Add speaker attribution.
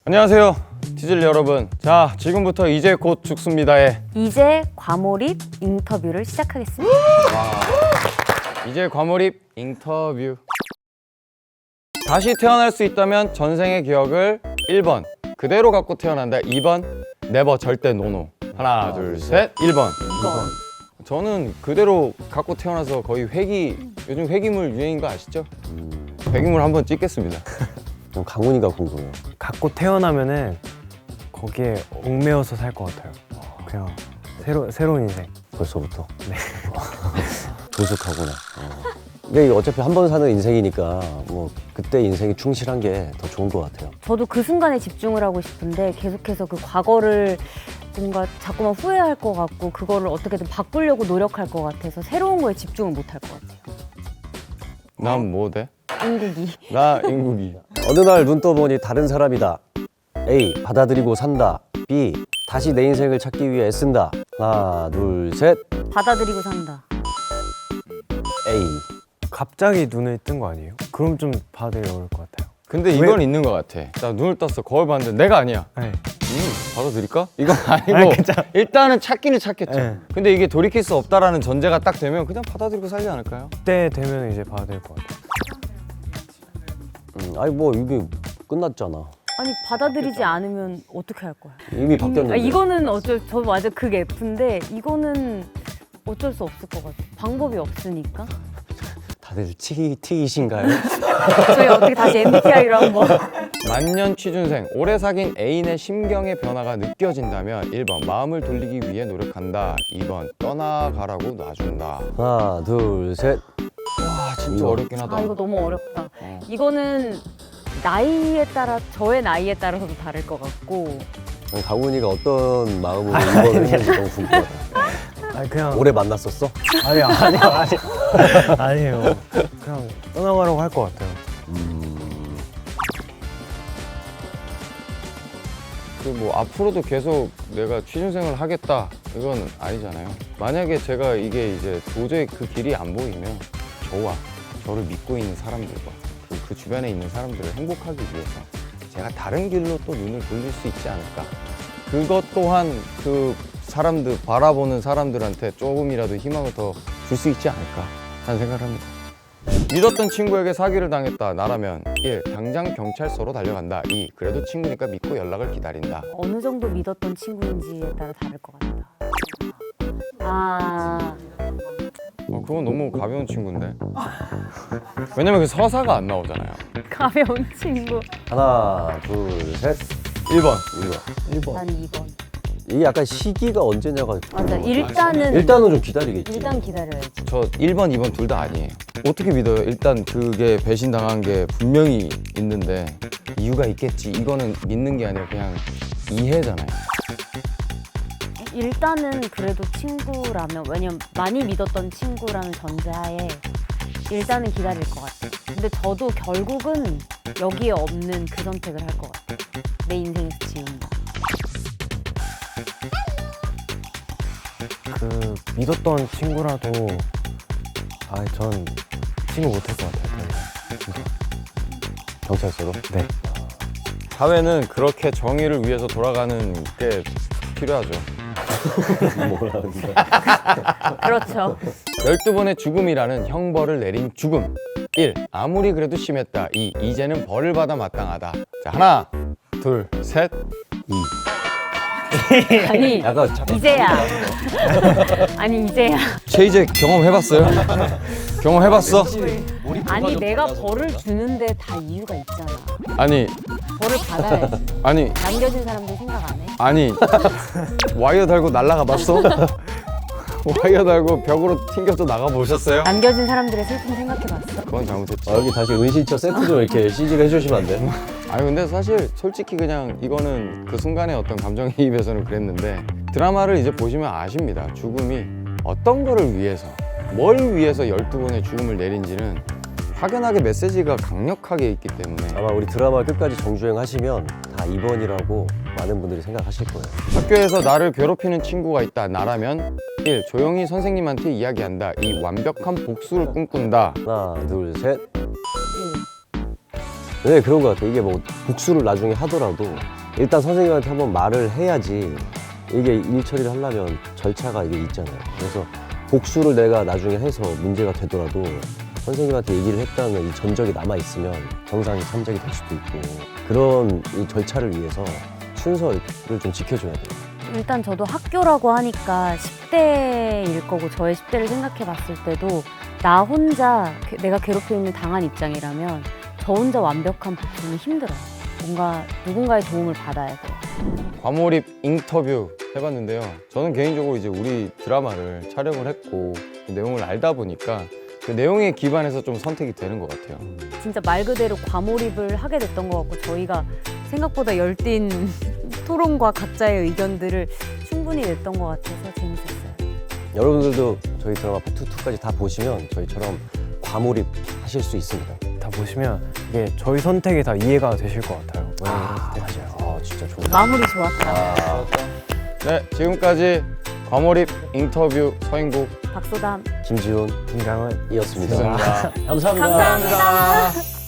Speaker 1: 안녕하세요 티즐 여러분. 자, 지금부터 이제 곧 죽습니다의
Speaker 2: 이제 과몰입 인터뷰를 시작하겠습니다.
Speaker 1: 이제 과몰입 인터뷰. 다시 태어날 수 있다면 전생의 기억을 1번 그대로 갖고 태어난다, 2번 네버 절대 노노. 하나 둘 셋. 1번. 저는 그대로 갖고 태어나서 거의 요즘 회기물 유행인 거 아시죠? 회기물 한번 찍겠습니다.
Speaker 3: 좀 강훈이가 궁금해요.
Speaker 4: 갖고 태어나면은 거기에 얽매여서 살 것 같아요. 그냥 새로운 인생.
Speaker 3: 벌써부터. 네. 조숙하구나. 근데 이게 어차피 한 번 사는 인생이니까 뭐 그때 인생이 충실한 게 더 좋은 것 같아요.
Speaker 2: 저도 그 순간에 집중을 하고 싶은데 계속해서 그 과거를 뭔가 자꾸만 후회할 것 같고 그거를 어떻게든 바꾸려고 노력할 것 같아서 새로운 거에 집중을 못 할 것 같아요.
Speaker 1: 난 뭐 돼?
Speaker 2: 인국이.
Speaker 1: 나 인국이.
Speaker 3: 어느 날 눈 떠보니 다른 사람이다. A. 받아들이고 산다. B. 다시 내 인생을 찾기 위해 애쓴다. 하나 둘 셋.
Speaker 2: 받아들이고 산다.
Speaker 3: A.
Speaker 4: 갑자기 눈에 뜬 거 아니에요? 그럼 좀 받아들이 어려울 것 같아요.
Speaker 1: 근데 이건 있는 것 같아. 나 눈을 떴어, 거울 봤는데 내가 아니야.
Speaker 4: 네.
Speaker 1: 받아들일까? 이건 아니고 일단은 찾기는 찾겠죠.
Speaker 4: 네.
Speaker 1: 근데 이게 돌이킬 수 없다라는 전제가 딱 되면 그냥 받아들이고 살지 않을까요?
Speaker 4: 그때 되면 이제 받아들일 것 같아요.
Speaker 3: 아니 뭐 이게 끝났잖아.
Speaker 2: 아니 받아들이지 않으면 어떻게 할 거야?
Speaker 3: 이미 바뀌었는데.
Speaker 2: 이거는 저 완전 극 F인데 이거는 어쩔 수 없을 것 같아. 방법이 없으니까.
Speaker 3: 다들 T이신가요?
Speaker 2: 저희 어떻게 다시 MBTI로 한번.
Speaker 1: 만년 취준생, 오래 사귄 애인의 심경의 변화가 느껴진다면 1번 마음을 돌리기 위해 노력한다, 2번 떠나가라고 놔준다.
Speaker 3: 하나 둘 셋.
Speaker 1: 와, 진짜
Speaker 3: 이거.
Speaker 1: 어렵긴 하다.
Speaker 2: 아 이거 너무 어렵다. 이거는 나이에 따라 저의 나이에 따라서도 다를 것 같고.
Speaker 3: 강훈이가 어떤 마음으로 이걸 했는지 너무 궁금하다.
Speaker 4: 아니 그냥
Speaker 3: 오래 만났었어?
Speaker 4: 아니요. 아니에요. 그냥 떠나가라고 할 것 같아요.
Speaker 1: 그 뭐 앞으로도 계속 내가 취준생을 하겠다 이건 아니잖아요. 만약에 제가 이게 이제 도저히 그 길이 안 보이면 저와 저를 믿고 있는 사람들과 그 주변에 있는 사람들을 행복하기 위해서 제가 다른 길로 또 눈을 돌릴 수 있지 않을까. 그것 또한 그 사람들, 바라보는 사람들한테 조금이라도 희망을 더 줄 수 있지 않을까 하는 생각을 합니다. 믿었던 친구에게 사기를 당했다, 나라면 1. 당장 경찰서로 달려간다, 2. 그래도 친구니까 믿고 연락을 기다린다.
Speaker 2: 어느 정도 믿었던 친구인지에 따라 다를 것 같다. 아,
Speaker 1: 그건 너무 가벼운 친구인데. 왜냐면 그 서사가 안 나오잖아요.
Speaker 2: 가벼운 친구.
Speaker 3: 하나 둘 셋.
Speaker 1: 1번.
Speaker 3: 1번.
Speaker 2: 난 2번.
Speaker 3: 이게 약간 시기가 언제냐가
Speaker 2: 맞아. 일단은
Speaker 3: 좀 기다리겠지.
Speaker 2: 일단 기다려야지.
Speaker 1: 저 1번, 2번 둘 다 아니에요. 어떻게 믿어요? 일단 그게 배신당한 게 분명히 있는데 이유가 있겠지. 이거는 믿는 게 아니라 그냥 이해잖아요.
Speaker 2: 일단은 그래도 친구라면, 왜냐면 많이 믿었던 친구라는 전제하에 일단은 기다릴 것 같아. 근데 저도 결국은 여기에 없는 그 선택을 할 것 같아. 내 인생에서 지운다.
Speaker 4: 그 믿었던 친구라도 전 친구 못 할 것 같아요. 진짜.
Speaker 3: 경찰서로?
Speaker 4: 네.
Speaker 1: 사회는 그렇게 정의를 위해서 돌아가는 게 필요하죠.
Speaker 3: 뭐라는데?
Speaker 2: 그렇죠.
Speaker 1: 12번의 죽음이라는 형벌을 내린 죽음. 1. 아무리 그래도 심했다. 2. 이제는 벌을 받아 마땅하다. 자, 하나, 둘, 셋.
Speaker 2: 아니,
Speaker 3: 약간
Speaker 2: 이제야. 아니, 이제야.
Speaker 1: 쟤 이제 경험해봤어요? 경험해봤어?
Speaker 2: 아니, 내가 벌을 주는데 다 이유가 있잖아.
Speaker 1: 아니,
Speaker 2: 벌을 받아야지.
Speaker 1: 아니,
Speaker 2: 남겨진 사람들 생각 안 해?
Speaker 1: 아니. 와이어 달고 날아가 봤어? 와이어 달고 벽으로 튕겨서 나가 보셨어요?
Speaker 2: 남겨진 사람들의 슬픔 생각해봤어?
Speaker 1: 그건 잘못했지.
Speaker 3: 여기 다시 은신처 세트 좀 이렇게 CG를 해주시면 안 돼?
Speaker 1: 아니 근데 사실 솔직히 그냥 이거는 그 순간의 어떤 감정이입에서는 그랬는데 드라마를 이제 보시면 아십니다. 죽음이 어떤 거를 위해서, 뭘 위해서 12번의 죽음을 내린지는 확연하게 메시지가 강력하게 있기 때문에.
Speaker 3: 아마 우리 드라마 끝까지 정주행하시면 다 2번이라고 많은 분들이 생각하실 거예요.
Speaker 1: 학교에서 나를 괴롭히는 친구가 있다, 나라면 1. 조용히 선생님한테 이야기한다, 2. 완벽한 복수를 꿈꾼다.
Speaker 3: 하나 둘 셋. 네, 그런 것 같아요. 이게 뭐 복수를 나중에 하더라도 일단 선생님한테 한번 말을 해야지 이게 일 처리를 하려면 절차가 이게 있잖아요. 그래서 복수를 내가 나중에 해서 문제가 되더라도 선생님한테 얘기를 했다는 이 전적이 남아있으면 정상이 참작이 될 수도 있고 그런 이 절차를 위해서 순서를 좀 지켜줘야 돼요.
Speaker 2: 일단 저도 학교라고 하니까 10대일 거고 저의 10대를 생각해 봤을 때도 나 혼자 내가 괴롭힘을 당한 입장이라면 저 혼자 완벽한 복수는 힘들어요. 뭔가 누군가의 도움을 받아야 돼요.
Speaker 1: 과몰입 인터뷰 해봤는데요. 저는 개인적으로 이제 우리 드라마를 촬영을 했고 그 내용을 알다 보니까 그 내용에 기반해서 좀 선택이 되는 것 같아요.
Speaker 2: 진짜 말 그대로 과몰입을 하게 됐던 것 같고 저희가 생각보다 열띤 토론과 각자의 의견들을 충분히 냈던 것 같아서 재밌었어요.
Speaker 3: 여러분들도 저희 드라마 파트 2까지 다 보시면 저희처럼 과몰입 하실 수 있습니다.
Speaker 4: 다 보시면 이게 저희 선택이 다 이해가 되실 것 같아요. 왜 이렇게 됐지?
Speaker 3: 맞아요. 아, 진짜 좋은
Speaker 2: 마무리 좋았다.
Speaker 1: 네, 지금까지 과몰입 인터뷰 서인국
Speaker 2: 박소담.
Speaker 3: 김지훈
Speaker 4: 김강은
Speaker 3: 이었습니다.
Speaker 1: 감사합니다.
Speaker 3: 감사합니다.
Speaker 2: 감사합니다.